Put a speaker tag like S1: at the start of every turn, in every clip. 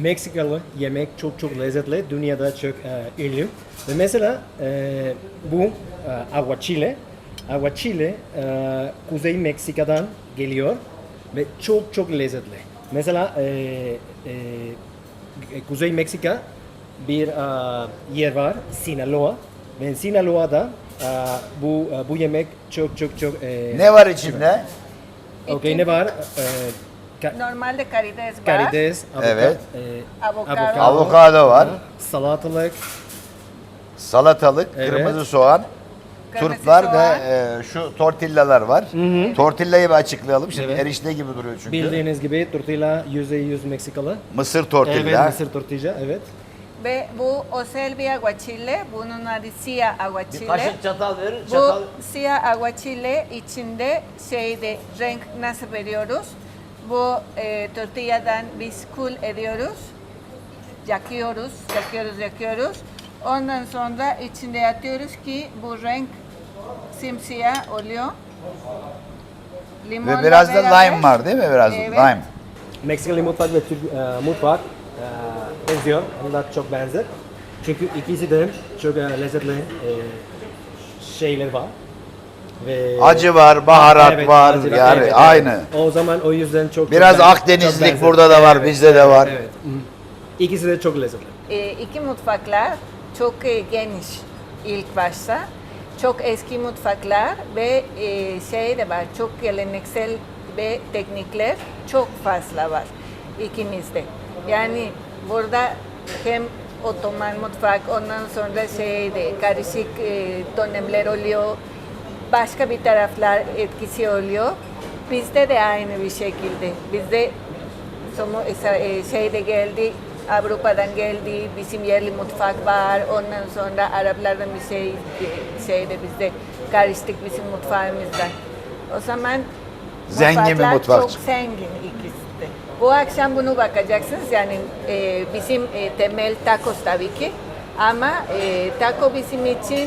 S1: Meksikalı yemek çok lezzetli. Dünyada çok ünlü. Ve mesela bu aguachile. Aguachile Kuzey Meksika'dan geliyor ve çok lezzetli. Mesela Kuzey Meksika bir yer var, Sinaloa. Ve Sinaloa'da bu yemek çok
S2: Ne var içinde?
S1: okey, ne var?
S3: Normalde karides var.
S1: Karides,
S2: Evet.
S3: Avokado.
S2: Avokado var.
S1: Salatalık,
S2: Salatalık,
S1: Evet.
S2: kırmızı soğan,
S3: Kırmızı
S2: turplar
S3: soğan.
S2: ve şu tortillalar var. Tortillayı bir açıklayalım. Şimdi
S1: Evet.
S2: erişte gibi duruyor çünkü.
S1: bildiğiniz gibi tortilla %100 Meksikalı.
S2: Mısır tortilla.
S1: Evet, Mısır tortilla, evet.
S3: Ve bu Oselvi aguachile, bunun adı siyah
S4: Bir
S3: aguachile.
S4: kaşık çatal verir.
S3: Bu
S4: Çatal.
S3: siyah aguachile içinde renk nasıl veriyoruz? Bu tortilladan biz kul ediyoruz. Yakıyoruz. Ondan sonra içinde atıyoruz ki bu renk simsiyah oluyor. Limonla
S2: Ve biraz da
S3: beraber-
S2: lime var değil mi? Biraz
S3: Evet.
S2: lime.
S1: Meksikalı mutfak ve Türk mutfak benziyor. Onlar çok benzer. Çünkü ikisi de çok lezzetli şeyler var. Ve
S2: Acı var, baharat
S1: Evet,
S2: var.
S1: acı-
S2: Yani
S1: evet,
S2: aynı.
S1: evet. O zaman o yüzden çok
S2: Biraz
S1: çok
S2: Akdenizlik
S1: çok benzer.
S2: burada da var, bizde de var.
S1: Evet. Hı. İkisi de çok lezzetli.
S3: İki mutfaklar çok geniş ilk başta. Çok eski mutfaklar ve şey de var, çok geleneksel ve teknikler çok fazla var ikimizde. Yani burada hem Otoman mutfak, ondan sonra karışık dönemler oluyor, başka bir taraflar etkisi oluyor. Bizde de aynı bir şekilde. Bizde şeyde geldi, Avrupa'dan geldi, bizim yerli mutfak var, ondan sonra Araplardan bir şeyde bizde karıştık bizim mutfağımızdan. O zaman
S2: Zengin bir
S3: mutfaklar
S2: mutfak
S3: çok
S2: çıktı.
S3: zengin ikisi de. Bu akşam bunu bakacaksınız yani bizim temel tacos tabii ki ama taco bizim için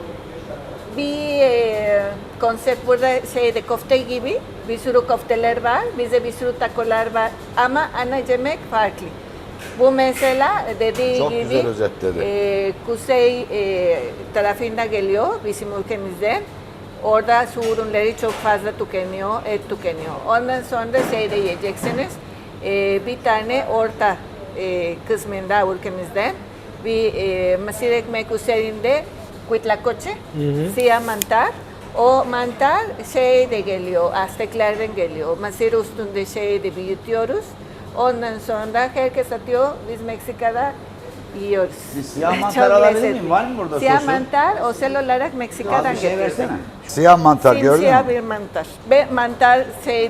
S3: bir konsept burada kofte gibi bir sürü kofteler var, bize bir sürü takolar var ama ana yemek farklı. Bu mesela dediği
S2: Çok
S3: gibi
S2: güzel özetledi.
S3: kuzey tarafında geliyor bizim ülkemizden. Orada su ürünleri çok fazla tükeniyor, et tükeniyor. Ondan sonra de yiyeceksiniz. Bir tane orta kısmında ülkemizden bir mısır ekmek üzerinde Huitlacoche, siyah mantar. O mantar de geliyor, Azteklerden geliyor. Mısır üstünde de büyütüyoruz. Ondan sonra herkes atıyor, biz Meksika'da yiyoruz.
S4: Bir siyah
S3: Çok
S4: mantar alabilir
S3: lezzetli.
S4: miyim? Var mı burada
S3: Siyah
S4: sosu?
S3: mantar, özel olarak
S4: Az
S3: Meksika'dan
S4: bir şey
S3: getirdim.
S4: versene.
S2: Siyah mantar gördün
S3: Simsiyah
S2: mü?
S3: bir mantar. Ve mantar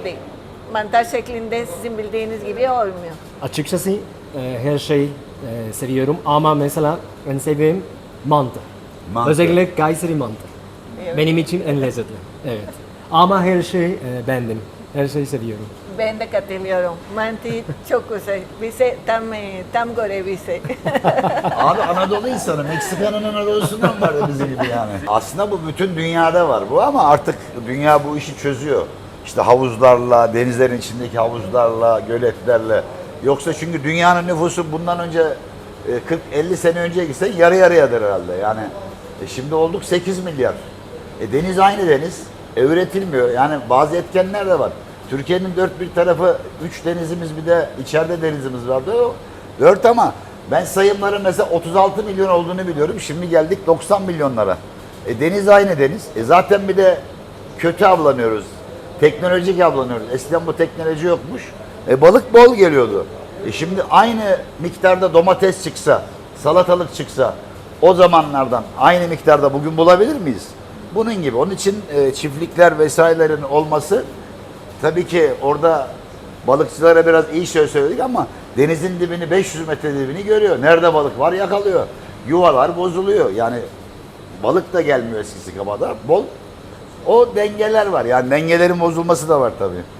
S3: mantar şeklinde sizin bildiğiniz gibi olmuyor.
S1: Açıkçası her şey seviyorum ama mesela en sevdiğim mantı.
S2: Mantı.
S1: Özellikle Kayseri mantı.
S3: Evet.
S1: Benim için en lezzetli. Evet. Ama her şey beğendim. Her şeyi seviyorum.
S3: Ben de katılıyorum. Mantı çok güzel. Bize tam göre bize.
S2: Abi Anadolu insanı, Meksika'nın Anadolu'sundan var da bizim gibi yani. Aslında bu bütün dünyada var bu ama artık dünya bu işi çözüyor. İşte havuzlarla, denizlerin içindeki havuzlarla, göletlerle. Yoksa çünkü dünyanın nüfusu bundan önce 40-50 sene önce gitsen yarı yarıyadır herhalde. Yani şimdi olduk 8 milyar. Deniz aynı deniz. Üretilmiyor. Yani bazı etkenler de var. Türkiye'nin dört bir tarafı 3 denizimiz bir de içeride denizimiz vardı. 4 ama ben sayımların mesela 36 milyon olduğunu biliyorum. Şimdi geldik 90 milyonlara. Deniz aynı deniz. Zaten bir de kötü avlanıyoruz. Teknolojik avlanıyoruz. Eskiden bu teknoloji yokmuş. Balık bol geliyordu. Şimdi aynı miktarda domates çıksa, salatalık çıksa o zamanlardan aynı miktarda bugün bulabilir miyiz? Bunun gibi. Onun için çiftlikler vesairelerin olması tabii ki orada balıkçılara biraz iyi söz söyledik ama denizin dibini 500 metre dibini görüyor. Nerede balık var yakalıyor. Yuvalar bozuluyor. Yani balık da gelmiyor eskisi kadar. Bol. O dengeler var. Yani dengelerin bozulması da var tabii.